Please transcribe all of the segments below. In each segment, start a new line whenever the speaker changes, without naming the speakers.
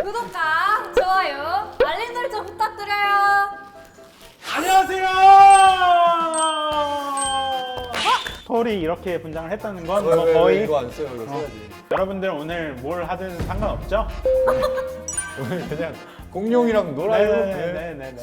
구독과 좋아요, 알림 설정 부탁드려요.
안녕하세요. 톨이 이렇게 분장을 했다는 건 뭐 거의
이거 안 써요. 이거 써야지.
여러분들 오늘 뭘 하든 상관없죠?
오늘 그냥 공룡이랑 놀아요.
네네네.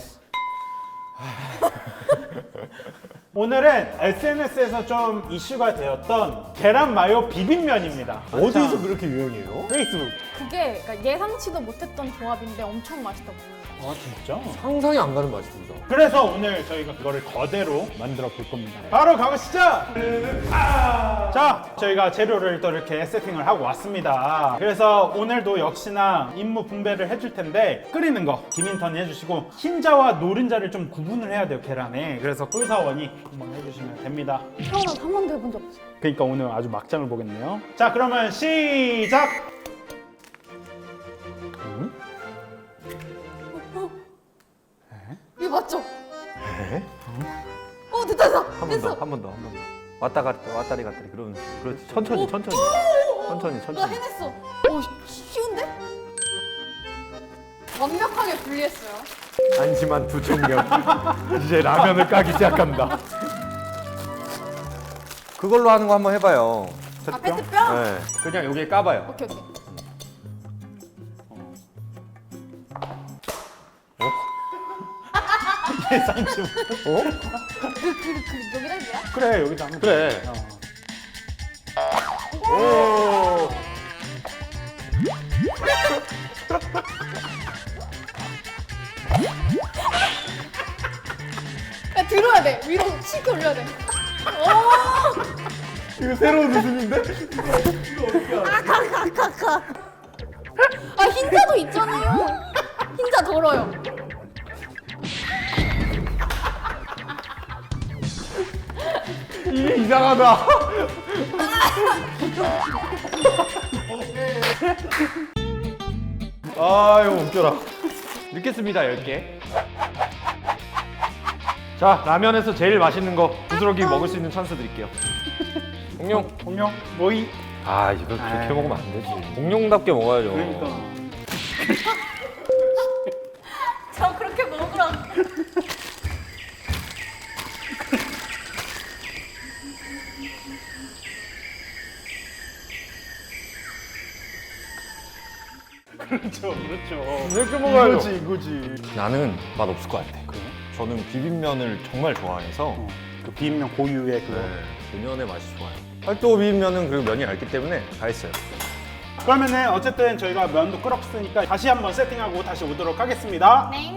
오늘은 SNS에서 좀 이슈가 되었던 계란 마요 비빔면입니다.
어디서 그렇게 유행해요?
페이스북.
그게 그러니까 예상치도 못했던 조합인데 엄청 맛있다고.
아 진짜?
상상이 안 가는 맛입니다.
그래서 오늘 저희가 그거를 거대로 만들어 볼 겁니다. 바로 가보시죠! 자, 저희가 재료를 또 이렇게 세팅을 하고 왔습니다. 그래서 오늘도 역시나 임무 분배를 해줄 텐데 끓이는 거 김인턴이 해주시고 흰자와 노른자를 좀 구분을 해야 돼요, 계란에. 그래서 꿀사원이 한번 해주시면 됩니다.
태어나서 한 번도 해본 적 없어요.
그러니까 오늘 아주 막장을 보겠네요. 자, 그러면 시작!
이거 맞죠?
에?
됐다 됐다.
한 번
됐어.
더, 한 번 더, 한 번 더. 왔다 갔다, 왔다리 갔다리. 그러면 그렇지. 천천히, 천천히. 천천히,
나
천천히.
해냈어. 쉬운데? 완벽하게 분리했어요.
안심한 두 청년. 이제 라면을 까기 시작한다. 그걸로 하는 거 한번 해봐요.
아 페트병?
네. 그냥 여기에 까봐요.
오케이 오케이.
예상치 못.
어?
여기다 해줘야?
그래, 여기다 하면
그래.
돼.
오.
야 들어야 돼. 위로 치게 올려야 돼. 오!
이거 새로운 웃음인데?
아 흰자도 있잖아요. 흰자 덜어요.
이게 이상하다. 아유, 웃겨라. 넣겠습니다, 10개. 자, 라면에서 제일 맛있는 거 부스러기 먹을 수 있는 찬스 드릴게요. 공룡.
공룡, 모이.
아, 이거 그렇게
아이.
먹으면 안 되지. 공룡답게 먹어야죠.
그러니까.
저 그렇게 먹으라.
그렇죠, 그렇죠.
이렇게 먹어야죠.
이거지, 이거지.
나는 맛 없을 것 같아.
그래?
저는 비빔면을 정말 좋아해서
그 비빔면 고유의 그거.
그 면의 맛이 좋아요. 팔도 비빔면은 그 면이 얇기 때문에 다 했어요.
그러면은 어쨌든 저희가 면도 끓었으니까 다시 한번 세팅하고 다시 오도록 하겠습니다.
네.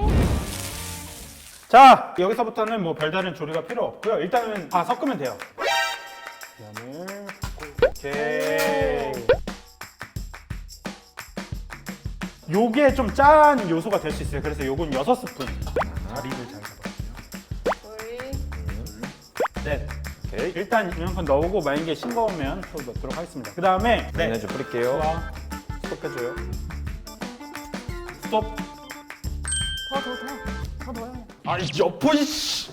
자, 여기서부터는 뭐 별다른 조리가 필요 없고요. 일단은 다 섞으면 돼요. 면을 섞고, 오케이. 요게 좀 짠 요소가 될 수 있어요. 그래서 요건 6스푼. 자리를 잘 잡아주세요.
우리
네.
오케이.
일단 이만큼 넣고 만약에 싱거우면 또 넣도록 하겠습니다. 그 다음에
마요네즈 뿌릴게요.
좋아.
스톱해줘요.
스톱.
더 넣어요. 그냥.
아이, 여보, 이씨!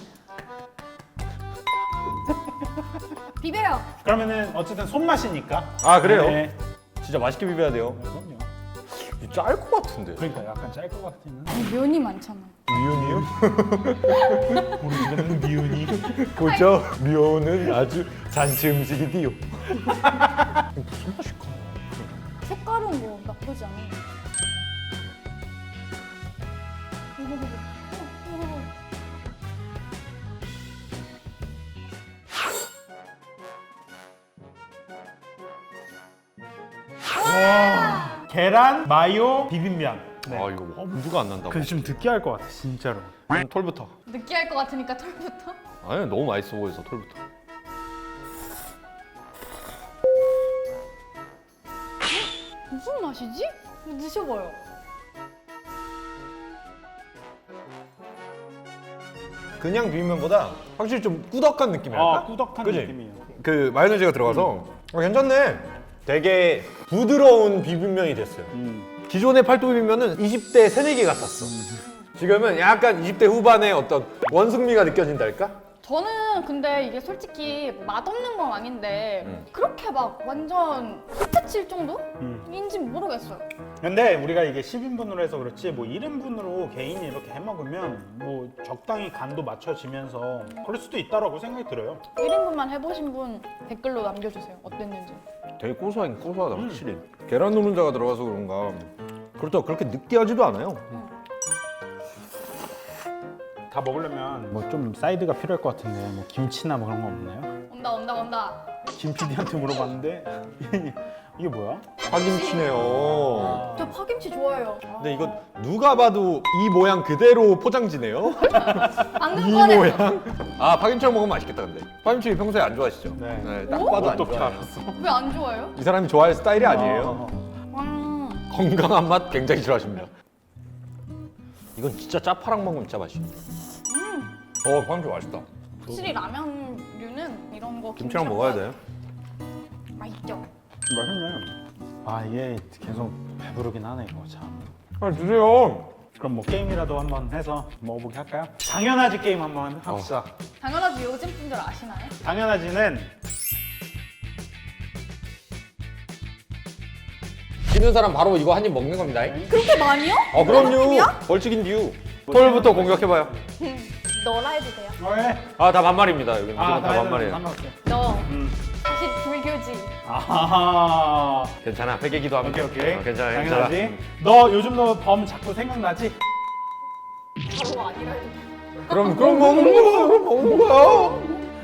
비벼요.
그러면은 어쨌든 손맛이니까.
아, 그래요?
네.
진짜 맛있게 비벼야 돼요.
그럼요.
짤 것 같은데.
그러니까 약간 짤 것 같은.
아니 면이 많잖아.
미운이요?
우리 집에는 미운이.
보죠? 미운은 아주 잔치 음식이디요. 무슨 맛일까?
색깔은 뭐 나쁘지 않아.
와. 계란 마요 비빔면. 네.
아, 이거 엄두가 안 난다고.
근데 좀 느끼할 것 같아, 진짜로.
그럼 톨부터.
느끼할 것 같으니까 털부터.
아니, 너무 맛있어 보여서 톨부터.
무슨 맛이지? 드셔봐요.
그냥 비빔면보다 확실히 좀 꾸덕한 느낌이랄까?
아, 꾸덕한
그치?
느낌이에요.
그 마요네즈가 들어가서 괜찮네. 되게 부드러운 비빔면이 됐어요. 기존의 팔도 비빔면은 20대 새내기 같았어. 지금은 약간 20대 후반의 어떤 원숭미가 느껴진달까?
저는 근데 이게 솔직히 맛없는 건 아닌데 그렇게 막 완전 히트칠 정도인지 모르겠어요.
근데 우리가 이게 10인분으로 해서 그렇지 뭐 1인분으로 개인이 이렇게 해 먹으면 뭐 적당히 간도 맞춰지면서 그럴 수도 있다라고 생각이 들어요.
1인분만 해보신 분 댓글로 남겨주세요. 어땠는지.
되게 고소하긴 고소하다 확실히. 계란 노른자가 들어가서 그런가. 그렇다고 그렇게 느끼하지도 않아요.
다 먹으려면 뭐 좀 사이드가 필요할 것 같은데 뭐 김치나 뭐 그런 거 없나요?
온다.
김 PD한테 물어봤는데 이게 뭐야?
파김치네요.
저 파김치 좋아해요.
근데 이거 누가 봐도 이 모양 그대로 포장지네요.
방금
이
꺼냈어.
모양. 아 파김치랑 먹으면 맛있겠다 근데. 파김치 평소에 안 좋아하시죠?
네.
딱 봐도 안
어떻게
좋아해요.
알았어?
왜 안 좋아해요?
이 사람이 좋아할 스타일이 아니에요. 건강한 맛 굉장히 싫어하십니다. 이건 진짜 짜파랑 먹으면 진짜 맛있어. 파김치 맛있다.
확실히 라면류는 이런 거
김치랑 먹어야 돼.
맛있죠.
맛있네. 아 이게 계속 배부르긴 하네 이거 참.
아 드세요.
그럼 뭐 게임이라도 한번 해서 먹어보게 할까요? 당연하지 게임 한번 합시다.
당연하지 요즘 분들 아시나요?
당연하지는
지는 사람 바로 이거 한 입 먹는 겁니다.
그렇게 많이요?
그럼요. 벌칙인 이유. 톨부터 공격해봐요.
너라 해도 돼요.
왜?
아 다 반말입니다. 여기는
아,
다 반말이에요.
상관없어요.
너
음.
사실 불교지.
아하.
괜찮아. 회계기도 하면
오케이 오케이.
괜찮아.
당연하지.
괜찮아.
너 요즘 너 범 자꾸 생각나지?
바로 아니라 해도 돼.
그럼 먹는 거야. 그럼 먹는 거야.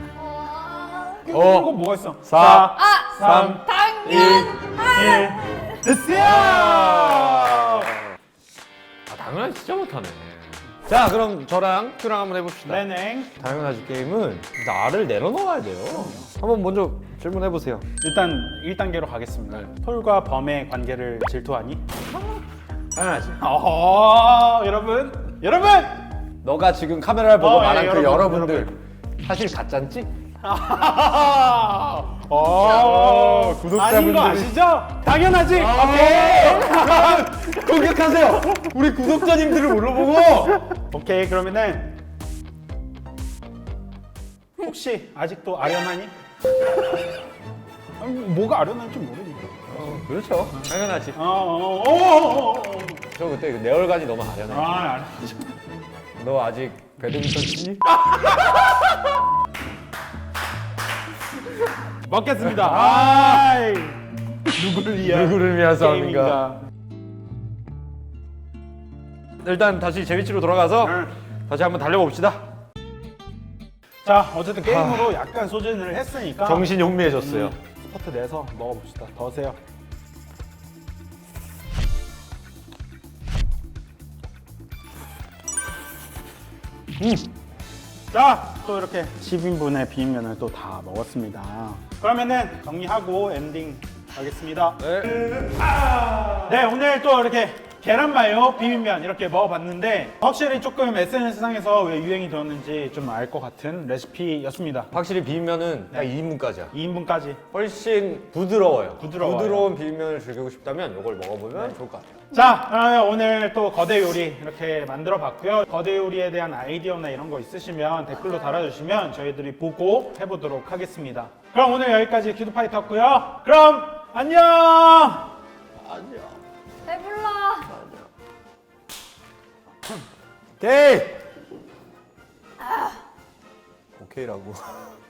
이거 뭐가 있어?
4,
3,
당연.
1. 됐어요.
아 당연하지 진짜 못하네. 자 그럼 저랑 큐랑 한번 해봅시다.
네네.
당연하지 게임은 나를 내려놓아야 돼요. 한번 먼저 질문해보세요.
일단 1단계로 가겠습니다. 톨과 범의 관계를 질투하니?
당연하지.
여러분.
너가 지금 카메라를 보고 말한
예,
그
여러분,
여러분들 사실 가짠지? 구독자분들이-
아닌 거 아시죠? 당연하지. 오케이.
공격하세요. 우리 구독자님들을 물어보고.
오케이 그러면은 혹시 아직도 아련하니? 아니, 뭐가 아련한지 모르니까.
그렇죠. 당연하지.
어.
저 그때 그 내 얼간이 너무 아련해.
알았지.
너 아직 배드민턴 치니?
먹겠습니다. 아이. 누구를 위한
누구를 위한 싸움인가?
게임인가?
일단 다시 재미치로 돌아가서
응.
다시 한번 달려봅시다.
자, 어쨌든 게임으로 약간 소진을 했으니까
정신이 혼미해졌어요.
스포트 내서 먹어봅시다. 더세요. 자, 또 이렇게 10인분의 비빔면을 또 다 먹었습니다. 그러면은 정리하고 엔딩 하겠습니다. 네, 오늘 또 이렇게 계란마요 비빔면 이렇게 먹어봤는데 확실히 조금 SNS상에서 왜 유행이 되었는지 좀 알 것 같은 레시피였습니다.
확실히 비빔면은 딱 2인분까지야.
2인분까지.
훨씬 부드러워요.
부드러워요.
부드러운 비빔면을 즐기고 싶다면 이걸 먹어보면 좋을 것 같아요.
자, 그러면 오늘 또 거대 요리 이렇게 만들어 봤고요. 거대 요리에 대한 아이디어나 이런 거 있으시면 댓글로 달아주시면 저희들이 보고 해보도록 하겠습니다. 그럼 오늘 여기까지 큐드파이터였고요. 그럼 안녕!
배불러.
오케이! 오케이라고.